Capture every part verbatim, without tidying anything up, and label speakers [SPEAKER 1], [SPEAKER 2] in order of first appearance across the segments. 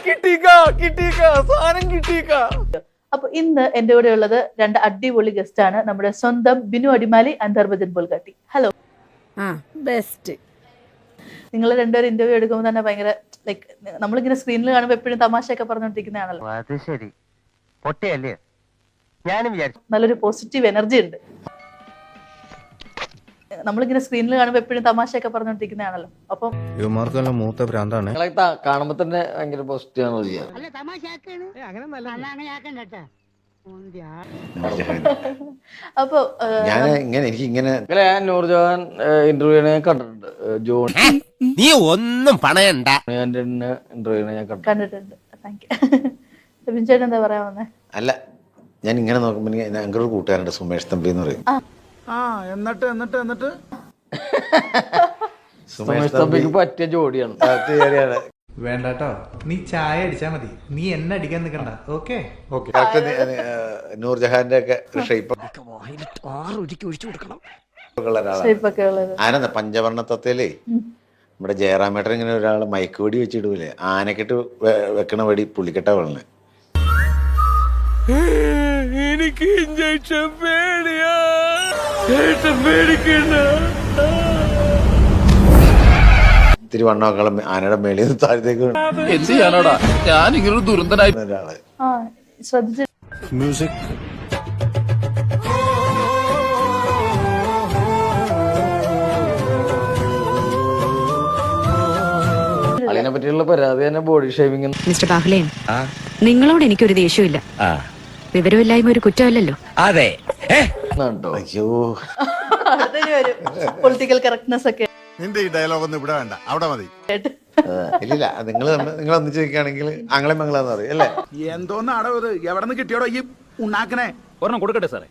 [SPEAKER 1] അപ്പൊ ഇന്ന് എന്റെ കൂടെ ഉള്ളത് രണ്ട് അടിപൊളി ഗസ്റ്റ് ആണ്. നമ്മുടെ സ്വന്തം Binu Adimali and Dharmajan Bolgatty. Hello.
[SPEAKER 2] Best.
[SPEAKER 1] നിങ്ങൾ രണ്ടുപേരും ഇന്റർവ്യൂ എടുക്കുമ്പോൾ തന്നെ ഭയങ്കര ലൈക്ക് നമ്മളിങ്ങനെ സ്ക്രീനിൽ കാണുമ്പോൾ എപ്പോഴും തമാശയൊക്കെ പറഞ്ഞുകൊണ്ടിരിക്കുന്നതാണല്ലോ.
[SPEAKER 3] അത് ശരി, പൊട്ടിയല്ലേ? ഞാനും വിചാരിച്ചു
[SPEAKER 1] നല്ലൊരു പോസിറ്റീവ് എനർജി ഉണ്ട്. നമ്മളിങ്ങനെ സ്ക്രീനിൽ കാണുമ്പോൾ എപ്പോഴും തമാശയൊക്കെ പറഞ്ഞുകൊണ്ടിരിക്കുന്നതാണല്ലോ. അപ്പം
[SPEAKER 4] ഇവന്മാർക്കെല്ലാം മൂത്ത ഭ്രാന്താണ്.
[SPEAKER 5] കാണുമ്പോ തന്നെ ഭയങ്കര പോസിറ്റീവ് ആണ്.
[SPEAKER 1] അപ്പൊ
[SPEAKER 4] ഞാൻ ഇങ്ങനെ എനിക്ക് ഇങ്ങനെ
[SPEAKER 5] ഞാൻ നൂർജഹാൻ ഇന്റർവ്യൂ കണ്ടിട്ടുണ്ട്. ജോൺ
[SPEAKER 3] നീ ഒന്നും പണയണ്ട.
[SPEAKER 5] ഇന്റർവ്യൂ ഞാൻ
[SPEAKER 1] കണ്ടിട്ടുണ്ട്. Thank you. ബിൻ ചേട്ടൻ എന്താ പറയാ വന്നേ?
[SPEAKER 4] അല്ല, ഞാൻ ഇങ്ങനെ നോക്കുമ്പോ ഞങ്ങളുടെ ഒരു കൂട്ടുകാരുണ്ട്, സുമേഷ് തമ്പി എന്ന് പറയും.
[SPEAKER 6] ആ എന്നിട്ട് എന്നിട്ട് എന്നിട്ട്
[SPEAKER 5] സുമേഷ് തമ്പിക്ക് പറ്റിയ ജോഡിയാണ്.
[SPEAKER 7] വേണ്ടട്ടോ, നീ ചായ അടിച്ചാ മതി, നീ എന്നെ അടിക്കാൻ നിൽക്കണ്ട. Okay okay.
[SPEAKER 4] നൂർജഹാന്റെ ഒക്കെ ഷേപ്പ് ആനന്ദ പഞ്ചവർണ്ണ തത്തയിലേ നമ്മുടെ ജയറാമേട്ടൻ ഇങ്ങനെ ഒരാള് മയക്ക് വെടി വെച്ചിടൂലേ, ആനക്കെട്ട് വെക്കണ വെടി പുള്ളിക്കെട്ട വെള്ളനെ.
[SPEAKER 3] എനിക്ക് ഇഞ്ചക്ഷൻ പേടിയാ. പേടിക്കണ്ട.
[SPEAKER 4] ഇത്തിരി വണ്ണമക്കളും ആനയുടെ മേളിൽ നിന്ന് താഴത്തേക്ക്
[SPEAKER 8] എന്ത് ചെയ്യാനോടാ, ഞാൻ ഇങ്ങനെ ദുരന്തനായി
[SPEAKER 4] ഒരാള്.
[SPEAKER 1] ആ ശ്രദ്ധിച്ചു.
[SPEAKER 4] മ്യൂസിക്
[SPEAKER 5] അതിനെ പറ്റിയുള്ള പരാതി തന്നെ ബോഡി ഷേവിംഗ്.
[SPEAKER 2] മിസ്റ്റർ ബാഹുലേൻ, നിങ്ങളോട് എനിക്കൊരു ദേഷ്യമില്ല. വിവരമില്ലായ്മ ഒരു കുറ്റമല്ലല്ലോ.
[SPEAKER 3] അതെ.
[SPEAKER 4] അയ്യോ,
[SPEAKER 1] പൊളിറ്റിക്കൽ കറക്റ്റ്നെസ് ഒക്കെ.
[SPEAKER 9] നിന്റെ ഈ ഡയലോഗ് ഒന്നും ഇവിടെ വേണ്ട, അവിടെ മതി.
[SPEAKER 4] ഇല്ലില്ല, നിങ്ങൾ നിങ്ങൾ ഒന്നിച്ച് നിൽക്കുകയാണെങ്കിൽ ആംഗ്ലം മംഗളാന്ന് പറയും അല്ലേ?
[SPEAKER 6] എന്തോന്നാടോ ഇത്, എവിടെ നിന്ന് കിട്ടിയോടോ ഈ ഉണ്ടാക്കണേ?
[SPEAKER 8] ഒരെണ്ണം കൊടുക്കട്ടെ സാറേ.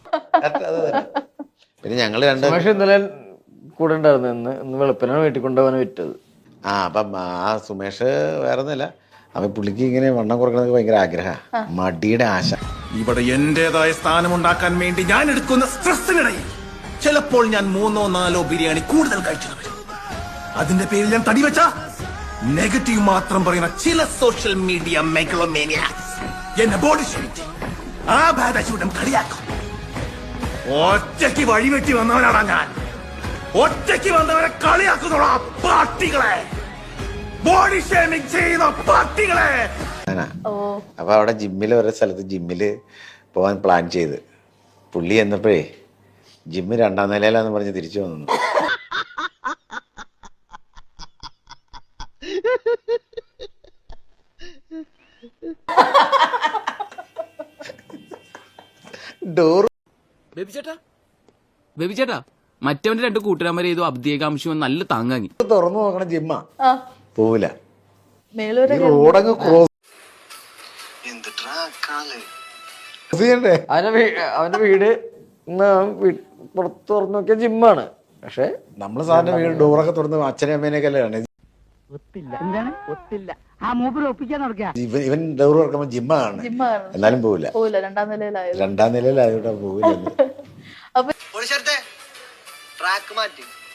[SPEAKER 4] പിന്നെ ഞങ്ങള് രണ്ട്
[SPEAKER 5] സുമേഷ് ഇന്നലെ കൂടെ ഉണ്ടായിരുന്നു. ഇന്ന് ഇന്ന് വെളുപ്പിനാണ് വീട്ടിൽ കൊണ്ടുപോകാൻ വിറ്റത്.
[SPEAKER 4] ആ അപ്പം ആ സുമേഷ് വേറെ ഒന്നുമല്ല, അവൻ പുള്ളിക്ക് ഇങ്ങനെ വണ്ണം കുറക്കണത് ഭയങ്കര ആഗ്രഹ, മടിയുടെ ആശ.
[SPEAKER 9] ഇവിടെ എന്റേതായ സ്ഥാനം ഉണ്ടാക്കാൻ വേണ്ടി ഞാൻ എടുക്കുന്ന സ്ട്രെസ്സിനിടയിൽ ചിലപ്പോൾ ഞാൻ മൂന്നോ നാലോ ബിരിയാണി കൂടുതൽ കഴിച്ചു വരും. അതിന്റെ പേരിൽ ഞാൻ തടി വെച്ച നെഗറ്റീവ് മാത്രം പറയുന്ന ചില സോഷ്യൽ മീഡിയ മെഗലോമേനിയാക്സ് എന്നെ ബോഡി ഷേമിങ് ആ ബാധൂടം കളിയാക്കും. ഒറ്റയ്ക്ക് വഴിവെട്ടി വന്നവനാണ് ഞാൻ. ഒറ്റയ്ക്ക് വന്നവരെ കളിയാക്കുന്നോളാ പാർട്ടികളെ, ബോഡി ഷേമിങ് ചെയ്യുന്ന പാർട്ടികളെ.
[SPEAKER 4] അപ്പൊ അവിടെ ജിമ്മില് ഓരോ സ്ഥലത്ത് ജിമ്മില് പോവാൻ പ്ലാൻ ചെയ്ത് പുള്ളി എന്നപ്പോഴേ ജിമ്മ് രണ്ടാം നിലയിലാന്ന് പറഞ്ഞ് തിരിച്ചു വന്നു. ഡോർ
[SPEAKER 8] ബേബിച്ചേട്ടാ ബേബിച്ചേട്ടാ മറ്റവന്റെ രണ്ട് കൂട്ടുകാരന്മാരെ ഏതോ അബ്ദിയകാംക്ഷം നല്ല താങ്ങാങ്ങി.
[SPEAKER 4] തുറന്നു നോക്കണ ജിമ്മ പോവില്ല.
[SPEAKER 1] മേലൂരൊക്കെ
[SPEAKER 4] ക്രോസ്
[SPEAKER 5] അവന്റെ വീട് പുറത്ത് തുറന്നു നോക്കിയ ജിമ്മാണ്. പക്ഷെ
[SPEAKER 4] നമ്മള് സാറിന്റെ വീട് ഡോറൊക്കെ തുറന്ന് അച്ഛനെ അമ്മേനെയൊക്കെ അല്ലേ ഇവൻ ഡോർ തുറക്കുമ്പോ ജിമ്മാണ്, എന്നാലും പോവില്ല.
[SPEAKER 1] രണ്ടാം നിലയിലായത്
[SPEAKER 4] രണ്ടാം നിലയിലായോട്ടാ പോവില്ല.
[SPEAKER 1] അപ്പൊ
[SPEAKER 3] ട്രാക്ക് മാറ്റി